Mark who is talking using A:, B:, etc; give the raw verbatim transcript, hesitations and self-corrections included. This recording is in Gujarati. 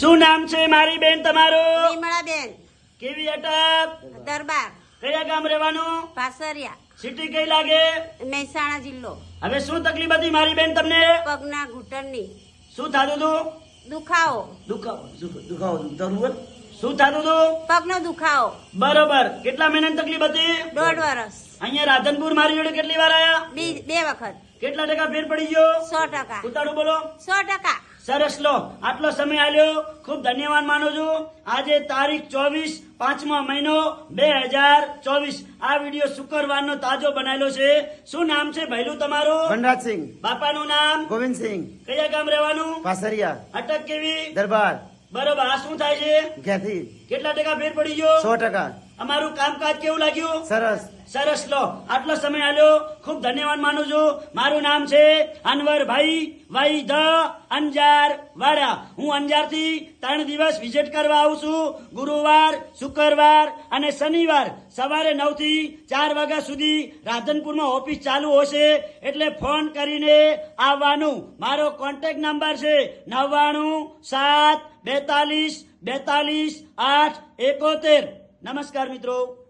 A: શું નામ છે મારી બેન તમારું?
B: વિમળાબેન
A: કેવી અટક?
B: દરબાર
A: કયા ગામ રહેવાનું?
B: પાસરિયા
A: સિટી કઈ લાગે?
B: મહેસાણા જિલ્લો
A: હવે શું તકલીફ હતી મારી બેન તમને?
B: પગના ઘૂંટણની
A: શું થતું હતું?
B: દુખાવો
A: દુખાવો દુખ- દુખાવો થતું હતું? શું થતું હતું?
B: પગનો દુખાવો
A: બરોબર. કેટલા મહિનાની તકલીફ હતી?
B: દોઢ વર્ષ
A: અહીંયા રાધનપુર મારી જોડે કેટલી વાર આયા?
B: બી બે વખત
A: કેટલા ટકા ફેર પડી ગયો?
B: સો ટકા
A: ઉતાળું બોલો.
B: સો ટકા
A: સરસ લો. આટલો સમય આલ્યો ખૂબ ધન્યવાદ માનું છું. આજે તારીખ ચોવીસ પાંચમો મહિનો બે હજાર ચોવીસ. આ વિડીયો શુક્રવારનો તાજો બનાવેલો છે. શું નામ છે ભૈલું તમારું?
C: વનરાજસિંહ
A: બાપાનું નામ?
C: ગોવિંદસિંહ
A: કયા ગામ રહેવાનું?
C: પાસરિયા
A: અટક કેવી?
C: દરબાર
A: બરોબર. આ શું થાય છે?
C: ઘેથી
A: કેટલા ટકા ફેર પડી ગયો?
C: સો ટકા
A: અમારું કામકાજ કેવું લાગ્યું?
C: સરસ
A: સરસ લો. આટલો સમય આલ્યો ખૂબ ધન્યવાદ માનું છું. મારું નામ છે અનવરભાઈ વાઈ ધ અંજાર વાડા. હું અંજાર થી ત્રણ દિવસ વિઝિટ કરવા આવું છું. ગુરુવાર, શુક્રવાર અને શનિવાર સવારે નવ થી ચાર વાગ્યા સુધી રાધનપુરમાં ઓફિસ ચાલુ હશે, એટલે ફોન કરીને આવવાનું. મારો કોન્ટેક્ટ નંબર છે નવ્વાણું સાત બેતાલીસ બેતાલીસ આઠ એકોતેર. નમસ્કાર મિત્રો.